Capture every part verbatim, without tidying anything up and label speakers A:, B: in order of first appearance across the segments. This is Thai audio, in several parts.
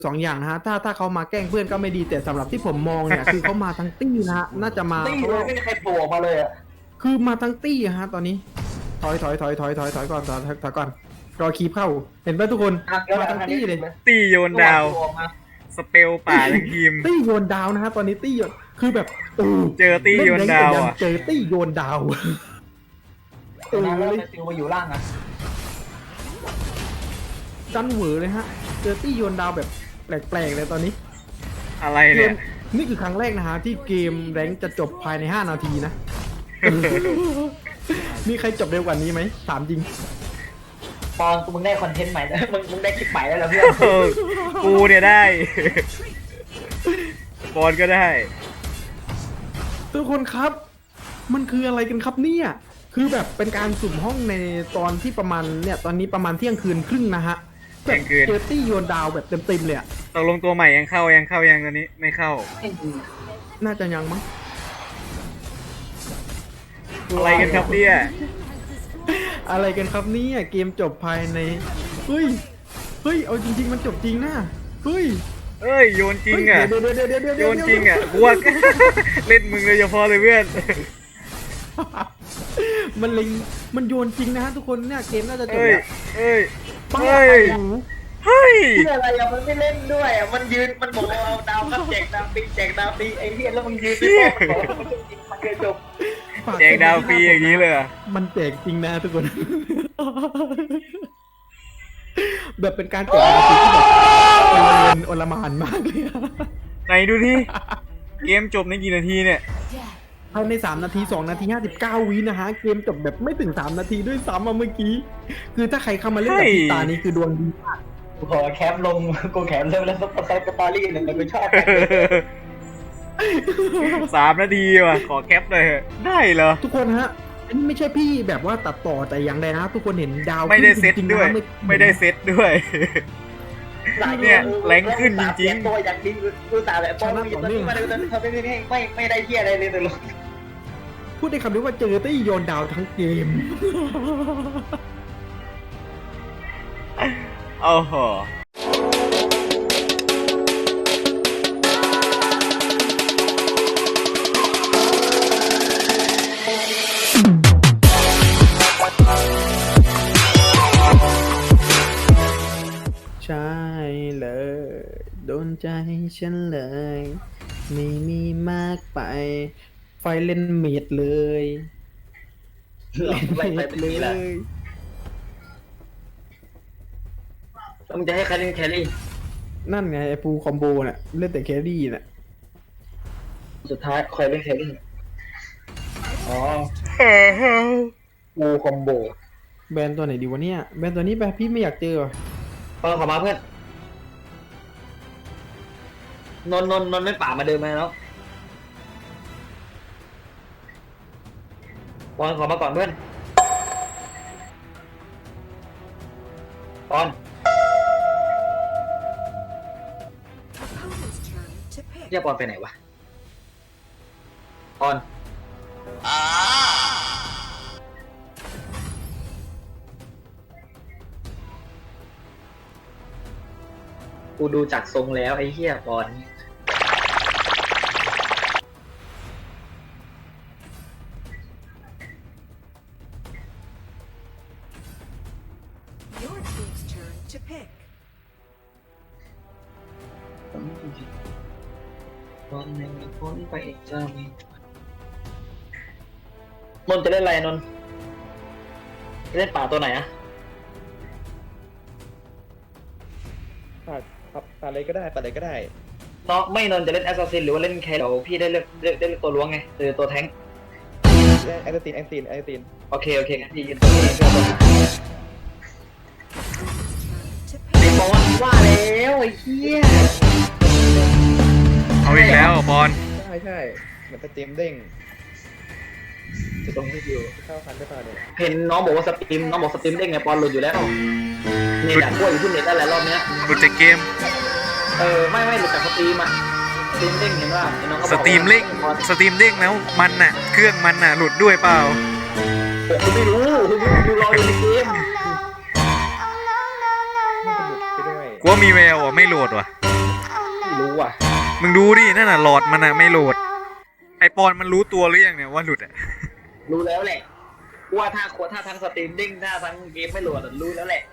A: สองอย่างนะฮะถ้าถ้าเขามาแกล้งเพื่อนก็ไม่ดีแต่สำหรับที่ผมมองเนี่ย คือเขามาทั้งตี้นะฮะน่าจะมา
B: ตี้เลยไม่มีใครโผล่ออกมาเลยอ่ะ
A: คือมาทั้งตี้อะฮะตอนนี้ถอยถอยถอยถอยถอยถอยก่อนถอยถอยก่อนรอคีบเข้าเห็นไหมทุกคนมาทั้งตี้เลย
C: ตี้โยนดาวสเปลป่าทั้งทีม
A: ตี้โยนดาวนะฮะตอนนี้ตี้โยนคือแบบโอ้
C: เจอตี้โยนดาวอ่ะ
A: เจอตี้โยนดาวเออ
B: นะแล้ว
A: เลย
B: ติวมาอยู่ล่างอ่ะ
A: จันเหวอเลยฮะเจอตี้โยนดาวแบบแปลกๆเลยตอนนี้
C: อะไร
A: เก
C: เนี่
A: ม
C: ย
A: นี่คือครั้งแรกนะฮะที่เกมแรงค์จะจบภายในห้านาทีนะ มีใครจบเร็วกว่านี้ไหมถามจริง
B: ปอนมึงได้คอนเทนต์ใหม่แล้วมึงมึงได้คลิปใหม่แล้วเหรอเพื่อน
C: เออกูเนี่ยได้ บอลก็ได้
A: ทุกคนครับ มันคืออะไรกันครับเนี่ย คือแบบเป็นการสุ่มห้องในตอนที่ประมาณเนี่ยตอนนี้ประมาณเที่ยงคืนครึ่งนะฮะ
C: เที่ยงคืน
A: เจอตี้โยนดาวแบบเต็มๆเลยอะ
C: ตกลงตัวใหม่ยังเข้ายังเข้ายังตอนนี้ไม่เข้า
A: น่าจะยังมั้ง
C: อะไรกันครับเนี่ย
A: อะไรกันครับเนี่ยเกมจบภายในเฮ้ยเฮ้ยเอาจริงๆมันจบจริงนะเฮ้ย
C: เอ้ยโยนจริงอ่ะ
A: เดี๋ยวเดี๋ยวเดี๋ยวเดี๋ยว
C: โย
A: เดี๋ยวน
C: จริงอ่ะกูว่า เล่นมึงเลยเฉพาะเลยเพื่อน
A: มันเล็งมันโยนจริงนะฮะทุกคนเนี่ยเกมน่าจะจบ
C: เอ้ย
A: แล้ว
C: เอ้ย
A: ป้า
C: เฮ้ย
A: โอ้โห
C: เฮ้ย
B: เพื่ออะไรอ่ะมันไม่เล่นด้วยอ่ะมันยืนมันบอกว่าเอาดาวครับแจกดาวฟรีแจกดาวฟรีไอ้เหี้ยแล้วมึงยืนไปบอกมันบอกว่ามันจริงมันเกินจบ
C: แจกดาวฟรีอย่างนี้เลยเหรอ
A: มันแจกจริงนะทุกคน แบบเป็นการแจกดาวฟรีที่แบบโอลเนโอลหมานมากเลยอะ
C: ไหนดูที่เกมจบในกี่นาทีเนี่ย
A: ภายในสามนาทีสองนาทีห้าสิบเก้าวินะฮะเกมจบแบบไม่ถึงสามนาทีด้วยซ้ำอะเมื่อกี้ คือถ้าใครเข้ามาเล่นกับพี่ตานี้คือดวงดีมาก
B: กูขอแคปลงกูแคปเริ่มแล้วสไตล์สตอรี่หนึ่งกูชอบ
C: สามนาทีว่ะ ขอแคปเลยเถอะได้เหรอ
A: ทุกคนฮะ อันนี้ไม่ใช่พี่แบบว่าตัดต่อแต่อย่างใดนะ ทุกคนเห็นดาว
C: ไม่ได้เซต
A: จริงๆ
C: ด้วย
A: นะ
C: ไม่ได้เซตด้วย เนี่ยแรงขึ้นจริงๆ
B: ตัวอย่างดีกูสาแบบปอนมึงตอนนี้มาดูตอนนี้ทำไม่ไม่ไม่ไม่ได้เหี้ยอะไรเลยแต่ลง
A: พูดได้คำเดียวว่าเจอตี้โยนดาวทั้งเกม
C: โอ้โห
A: ใช่เลย โดนใจฉันเลย ไม่มีมากไป ไฟเล่นเมดเลย
B: ไล่ไปเป็นนี้แหละมึงจะให้ใครเล่นแครี่
A: นั่นไงไอ้ปูคอมโบน่ะเล่นแต่แครี่น่ะ
B: สุดท้ายคอยเล่นแครี่อ๋อกูคอมโบ
A: แบรนด์ตัวไหนดีวะเนี่ยแบรนด์ตัวนี้แบบพี่ไม่อยากเจอว่ะ
B: เออขอมาเพื่อนนนนนนไม่ป่ามาเดินมาแล้วปอนขอมาก่อนเพื่อนปอนเรียกปอนไปไหนวะปอนกูดูจากทรงแล้วไอ้เหี้ยปอน
D: Your team's turn to pick.
B: วันหนึ่งพ้นไปอีกจะมีนนท์จะเล่นอะไรนนท์จะเล่นป่าตัวไหนอะ
E: ปัดปัดปัดอะไรก็ได้ปัดอะไรก็ได้
B: น้องไม่นนท์จะเล่นแอสซัสซินหรือว่าเล่นแคร์เดี๋ยวพี่ได้เลือกเลือกได้เลือกตัวล้วงไงหรือตัวแท้ง
E: แอคตินแอคตินแอคติน
B: โอเคโอเคงั้นพี่ยืนตัวนี้เพื่อตัว
D: Turn to
B: ไอ้
D: pick.
B: บอลว่าแล้วไอ้เหี้ย
C: เอาอีกแล้วบอล
E: ใช่ใช่เหมือนสตรีมเด้ง
B: จะตรงที่อยู่
E: เข้าคันได้ป่ะเนี่ย
B: เห็นน้องบอกว่าสตรีมน้องบอกสตรีมได้ไงปอนหลุดอยู่แล้วเน็ตอะกล้วยอยู่ที่เน็ตนั่นแหละรอบเนี้ย
C: หลุดจากเกม
B: เออไม่ไม่หลุดจากสตรีมอะสตรีมเด้งเห็นว่าน้องก็บอก
C: สตรีมเด้งสตรีมเด้งแล้วมันน่ะ เครื่องมันน่ะ หลุดด้วยเปล่า
B: ผมไม่รู้ผมดูรออยู่ในเกม
E: ไม่สนุกไปด้วย
C: กูว่ามีแววอ่ะ ไม่โหลดว่ะ
D: Your
B: ไม่รู้อ่ะ
C: มึงดูดินั่นน่ะหลอดมันอะไม่โหลด ไอปอนมันรู้ตัวหรือยังเนี่ยว่าหลุดอะ
B: รู้แล้วแหละว่าถ้าโคถ้าทั้งสตรีมดิ้งถ้าทั้งเกมไม่โหลดอะรู้แล้วแหละ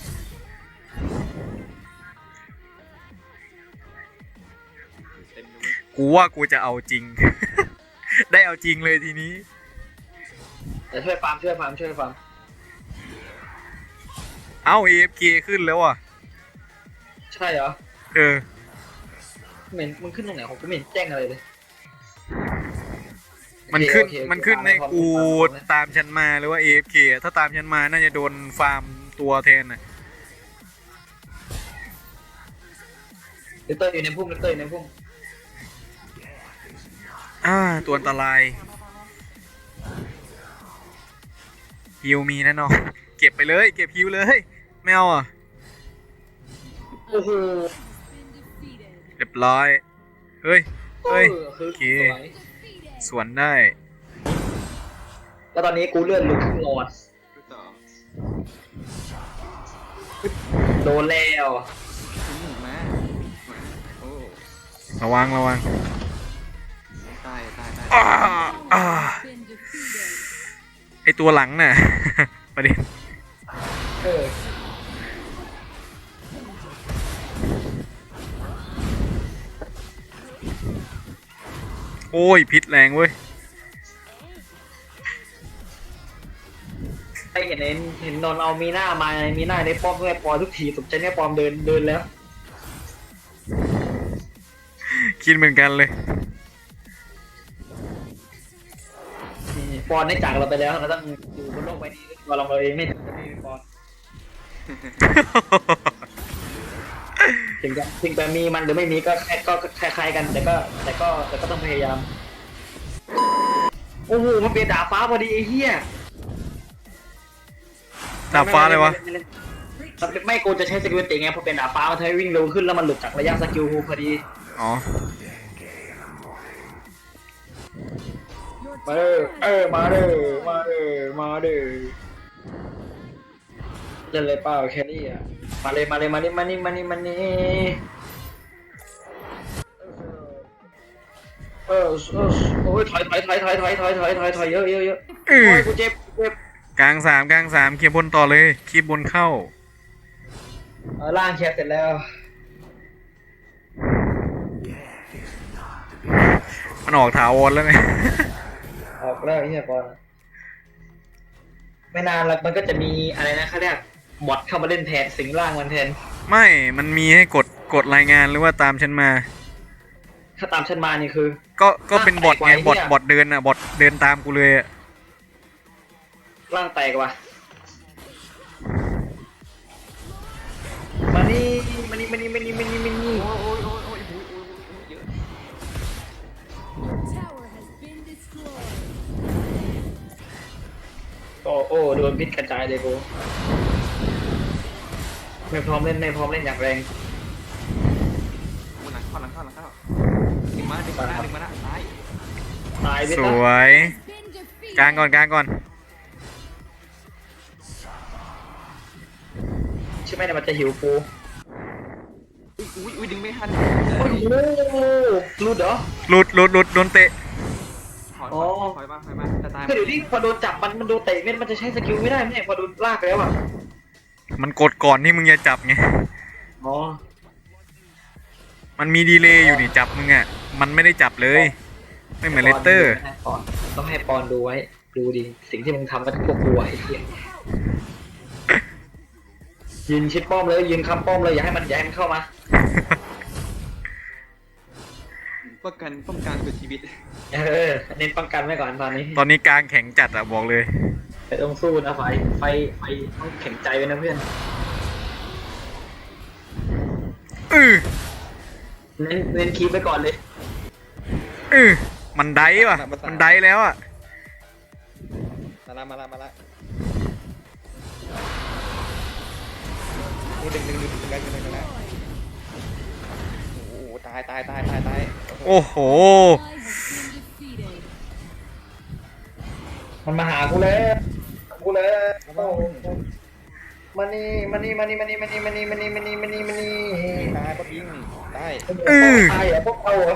C: กูว่ากูจะเอาจริง ได้เอาจริงเลยทีนี้
B: แต่ช่วยฟาร์มช่วยฟาร์มช่วยฟาร์ม
C: เอ้า เอ เอฟ เค ขึ้นแล้วอ่ะ
B: ใช่เหรอ
C: เออ
B: เหม็นมึงขึ้นตรงไหนของกูไม่เห็นแจ้งอะไรเลย
C: มันขึ้น
B: โอเคโอเค
C: มันขึ้นใน
B: ฟาร์ม
C: กู
B: ฟาร์มฟาร์ม
C: ตามฉันมาหรือว่า เอ เอฟ เค ถ้าตามฉันมาน่าจะโดนฟาร์มตัวแทนน่ะ
B: เลเตอร์อยู่ในพุ่มเลเตอร์อยู่ในพุ่ม
C: อ่า ตัวอันตรายฮิวมีนะน้องเก็บไปเลย เก็บฮิวเลยไม่เอาอ่ะ
B: โอ้โห
C: เรียบร้อย เฮ้ย เฮ้ย
B: ออคือ
C: โอเค
B: สวย
C: สวนได้
B: แล้วตอนนี้กูเลื่อนหลุดครึ่งหลอดโดนแล้ว
E: มาโอ้
C: ระวังระวัง
E: ตายตายตาย
C: อ่าอ่าไอตัวหลังน่ะ ประเด็น
B: เออ
C: โอ้ย พิษแรงเว้ย
B: ไอเห็นเห็นเห็นนนเอามีหน้ามามีหน้าในป้อมด้วยปอทุกทีสมใจเนี่ยปอมเดินเดินแล้ว
C: คิดเหมือนกันเลย
B: นี่ปอนได้จากเราไปแล้วเราต้องอยู่บนโลกใบนี้ตัวเราเองไม่ไม่มีปอนถึงจะถึงจะมีมันหรือไม่มีก็แค่ก็คล้ายๆกันแต่ก็แต่ก็แต่ก็ต้องพยายามโอ้โหมันเป็นดาบฟ้าพอดีไอ้เหี้ย
C: ดาบฟ้าเลยวะ
B: ไม่ไม่ไม่ไม่กูจะใช้สกิลติไงพอเป็นดาบฟ้ามันทำให้วิ่งเร็วขึ้นแล้วมันหลุดจากระยะสกิลพอดี
C: อ๋อ
B: มาเด้อเออมาเด้อมาเด้อมาเด้อเล่นเลยเปล่าแค่นี้อ่ะมาเลยมาเลยมานี่มานี่มานี่มานี่เออเออโอ้ยถอยถอยถอยถอยถอยถอยถอยถอยถอยเยอะเยอะเยอะ
C: อือ
B: โอ้ยกูเจ็บกูเจ็บ
C: กลางสามกลางสามเคลียร์บนต่อเลยคีบบนเข้า
B: เออล่างเคลียร์เสร็จแล้ว
C: มันออกถาวรแล้วไง
B: ออกแล้วไอ้เหี้ยบอลไม่นานแล้วมันก็จะมีอะไรนะเขาเรียกบอทเข้ามาเล่นแทนสิงร่างมันแทน
C: ไม่ มันมีให้กดกดรายงานหรือว่าตามฉันมา
B: ถ้าตามฉันมานี่คือ
C: ก็ก็เป็นบอทไง
B: ไอ้เหี้
C: บอท
B: ย
C: บอทเดินอ่ะบอทเดินตามกูเลยอ่ะ
B: ร่างแตกว่ะมานี่มานี่มานี่มานี่มานี่มานี่
E: โอ้ยโอ้ยโอ้ยโอ้ยโอ้ยโอ้ยโอ้ยเยอะ
D: Tower has been destroyed.
B: โอ้โอ้โดนพิษกระจายเลยกูไม่พร้อมเล่นไม่พร้อมเล่นอย่างแรง
E: หลังเข้าหลังเข้าหลังเข้าดึงมาดึงมาดึงมาตาย
B: ตายไป
C: ส
B: ซะ
C: วย
D: Been defeated.
C: กลางก่อนกลางก่อน
B: ใช่ไหมเนี่ยมันจะหิวกู
E: อุ้ยอุ้ยดึงไม่ทัน
B: โอ้โหรูดเหรอ
C: หลุดหลุดหลุดโดนเตะ
E: ถอย
B: อ๋อ
E: ถอยมาถอยมาจะตาย
B: คือเดี๋ยวนี้พอโดนจับมันมันโดนเตะเม็ดมันจะใช้สกิลไม่ได้ไม่ใช่พอโดนลากไปแล้วอ่ะ
C: มันกดก่อนที่มึงจะจับไง
B: อ๋อ
C: มันมีดีเลย์อยู่นี่จับมึงอ่ะ มันไม่ได้จับเลย ไม่เหมือนเลสเตอร์
B: ปอนต้องให้ปอนดูไว้ดูดิสิ่งที่มึงทำกับพวกกูไอ้เหี้ยยืนชิดป้อมเลยยืนคำป้อมเลยอย่าให้มันอย่าให้มันเข้ามา
E: ป้องกันป้องกันตัวชีวิต
B: เออเน้นป้องกันไว้ก่อนตอนนี้
C: ตอนนี้กลางแข็งจัดอ่ะบอกเลย
B: ไปต้องสู้นะไฟไฟไฟต้องแข็งใจไว้นะเพื่อน
C: อือ
B: เน้นเน้นคีบไว้ก่อนเลย
C: อือมันได้ว่ะ มันได้แล้วอ่ะ
E: มาละมาละมาละนี่ดึงดึงดึงดึงกันดึงกันนะโอ้โหตายตายตายตายตาย
C: โอ้โห
D: Ally has been defeated.
B: มันมาหากูแล้วกูแล้วมันมานี่มานี่มานี่มานี่มานี่มานี่มานี่มานี่มานี่มานี่
E: ตายก็ยิงได้
B: ตายเหรอพวกเอาเหรอ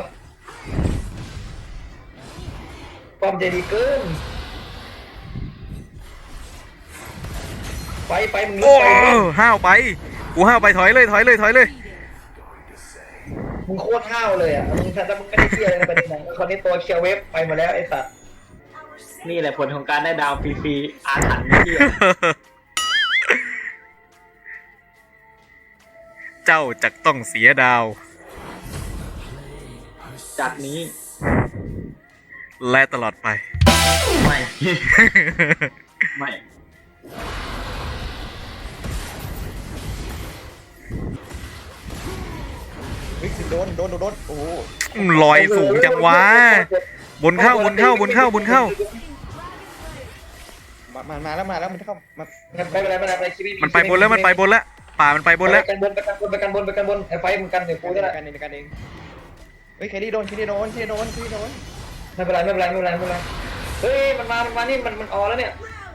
B: ความใจดีเกินไปไปมึง
C: โอ้
B: ไปมึง
C: ห้าวไปกูห้าวไปถอยเลยถอยเลยถอยเลย
B: มึงโคตรห้าวเลยอ่ะมึงถ้ามึงไม่ได้เที่ยวเลยในประเด็นนั้นคนนี้ตัวเคียวเวฟไปมาแล้วไอ้สัตว์นี่แหละผลของการได้ดาวฟรีๆอาถรรพ์เที่ย
C: เจ้าจะต้องเสียดาว
B: จากนี้
C: และตลอดไป
B: ไม่ ไม่
E: เฮ้ยโดนโดนโดนโดนโอ้โห
C: ลอยสูงจังวะบนเข้าบนเข้าบนเข้าบนเข้า
E: มามามาแล้วมาแล้วมันเข้ามา
B: ไม่เป็นไรไม่เป็นไรไม่เป็นไรชีวิต
C: มันไปบนแล้วมันไปบนแล้วป่ามันไปบนแล้ว
B: ไปกันบนไปกันบนไปกันบนไปกันบนไอ้ไฟมึงกันเดี๋ยวกู
E: ใน
B: จะได้
E: การเองในการเองเฮ้ยแครี่โดนแครี่โดนแครี่โดนแครี่โดน
B: ไม่เป็นไรไม่เป็นไรไม่เป็นไรไม่เป็นไรเฮ้ยมันมามันมานี่มันมันออแล้วเนี่ย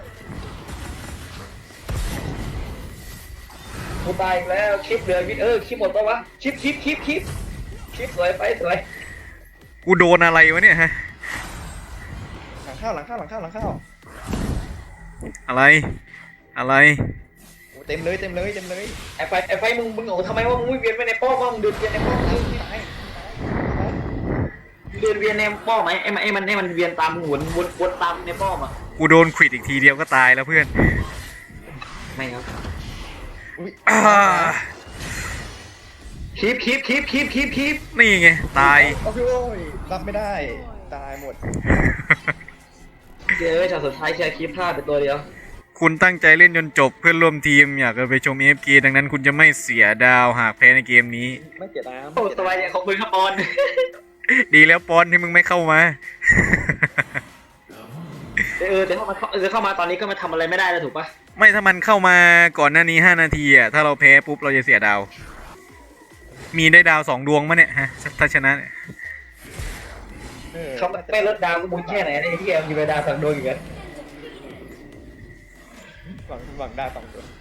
B: กูตายอีกแล้วคลิปเหลือวิเออคลิปหมดปะวะคลิปคลิปคลิปคลิปคลิปสวยไปสวย
C: กูโดนอะไรวะเนี่ยฮะ
E: หลังเข้าหลังเข้าหลังเข้าหลังเข้า
C: อะไรอะไร
E: โอ้เต็มเลยเต็มเลยเต็มเลย
B: ไอ้ไฟไอ้ไฟมึงมึงโง่ทำไมว่ามึงไม่เวียนไปในป้อมว่ามึงเดินเวียนในป้อมมึง
E: ตาย
B: เดินเวียนในป้อมไหมไอ้มันไอ้มันไอ้มันเวียนตามมึงวนวนวนตามในป้อมอ่ะ
C: กูโดนขวิดอีกทีเดียวก็ตายแล้วเพื่อน
B: ไม่ครับ
E: อุ้ย
C: อ่า
B: คลิปคลิปคลิปคลิปคลิปคลิป
C: นี่ไงตาย
E: โอ้ยรับไม่ได้ตายหมด
B: เจอช็อตสุดท้ายแค่คลิปพลาดไปตัวเดียว
C: คุณตั้งใจเล่นจนจบเพื่อนร่วมทีมอยากจะไปชม เอ เอฟ เค ดังนั้นคุณจะไม่เสียดาวหากแพ้ในเกมนี้
E: ไม่เจ็บน้ำ
B: โอ้สบายเนี่ยขอบคุณครับปอน
C: ดีแล้วปอนที่มึงไม่เข้ามา
B: เออแต่เข้ามาเออเข้ามาตอนนี้ก็มาทำอะไรไม่ได้แล้วถูกปะ
C: ไม่ถ้ามันเข้ามาก่อนหน้านี้ห้านาทีอ่ะถ้าเราแพ้ปุ๊บเราจะเสียดาว มีได้ดาวสองดวงมั้ยเนี่ยฮะถ้าชนะเนี่ย
B: เขาไม่ลดดาวก็บุญแค่ไหนไอ้ที่แกมีเวลาสั่งโดนอยู่กัน
E: หวังหวังได้สองตัว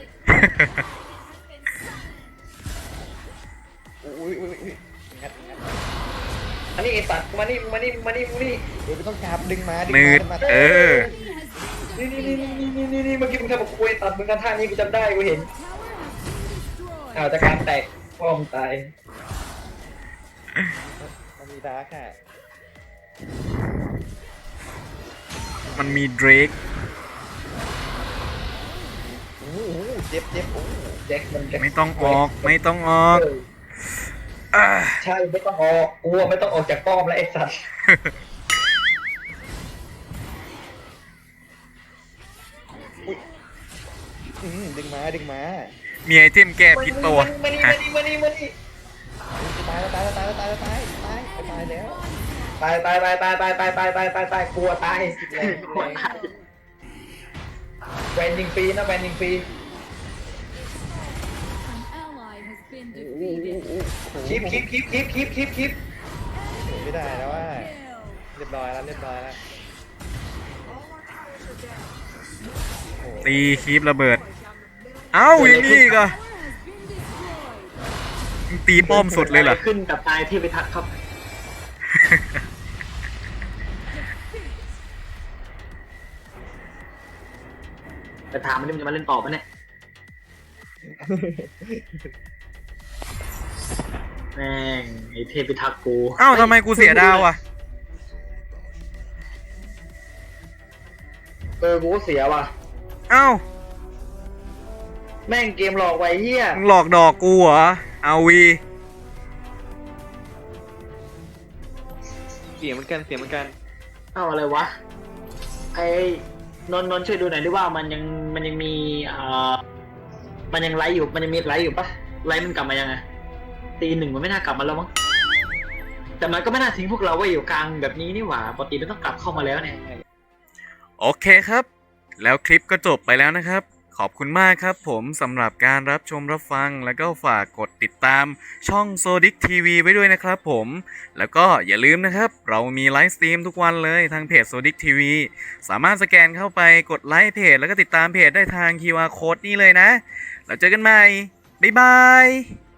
E: อุ้ยอุ้ยอุ้ยงัดงัด
B: อันนี้ไอ้สัตว์มานี่มานี่มานี่มานี่
E: เดี๋ยวไม่ต้องจับดึงมาดึง
C: นืด
E: มา
C: เออ
B: นี่นี่นี่นี่นี่นี่นี่เมื่อกี้มึงทำกับคุยตัดมึงกันท่านี้กูจำได้กูเห็นอ้าวจากการแตกป้อมตาย
E: มันมีดาร์กค่ะ
C: มันมีเดรก
E: โอ้โหเจ็บเจ็บโอ้โห
B: แจ็คมันแจ็ค
C: ไม่ต้องออกไม่ต้องออก
B: เออ
C: อ่า
B: ใช่ไม่ต้องออกกูว่าไม่ต้องออกจากป้อมแล้วไอ้สัตว์
E: อืมดึงมาดึงมา
C: มีไอเทมแก้พิษปะวะ
B: มานี่
C: ฮะ
B: มานี่มานี่มานี่
E: ตายแล้วตายแล้วตายแล้วตายแล้วตายตายตายแล้ว
B: ตายตายตายตายตายตายตายตายตายตายกลัวตายกลัวตายแวนยิงฟรีนะแวนยิงฟรี
D: An ally has been
E: โอ้โห
D: defeated.
B: คลิปคลิปคลิปคลิปคลิปคลิปคลิป
E: ไม่ได้แล้วว่าเรียบร้อยแล้วเรียบร้อยแล้ว
C: ตีคีบระเบิด เอ้าอย่างนี้ก็
D: Has been destroyed.
C: ตีป้อมสุดเลยเหรอ
B: ขึ้นกับตายที่ไปทักครับแต่ถามมันนี่มันจะมาเล่นต่อปะเนี่ยแม่งไอ้เทพพิทักษ์กู
C: เอ้าทำไมกูเสียดาวอ่ะ
B: เออกูก็เสียว่ะ
C: เอ้า
B: แม่งเกมหลอกไว้เฮีย
C: มึงหลอกดอกกูเหรอเอาวี
E: เสียงเหมือนกันเสียงเหมือนกัน
B: เอ้าอะไรวะไอ้นนท์นนท์ช่วยดูหน่อยดิว่ามันยังมันยังมีเอ่อมันยังไลฟ์อยู่มันยังมีไลฟ์อยู่ปะไลฟ์มันกลับมายังไงตีหนึ่งมันไม่น่ากลับมาแล้วมั้งแต่มันก็ไม่น่าทิ้งพวกเราไว้อยู่กลางแบบนี้นี่หว่าปกติมันต้องกลับเข้ามาแล้วเนี่ย
C: โอเคครับ แล้วคลิปก็จบไปแล้วนะครับ ขขอบคุณมากครับผมสำหรับการรับชมรับฟังแล้วก็ฝากกดติดตามช่อง Zodic ที วี ไว้ด้วยนะครับผมแล้วก็อย่าลืมนะครับเรามีไลฟ์สตรีมทุกวันเลยทางเพจ Zodic ที วี สามารถสแกนเข้าไปกดไลค์เพจแล้วก็ติดตามเพจได้ทาง คิว อาร์ Code นี่เลยนะแล้วเจอกันใหม่บ๊ายบาย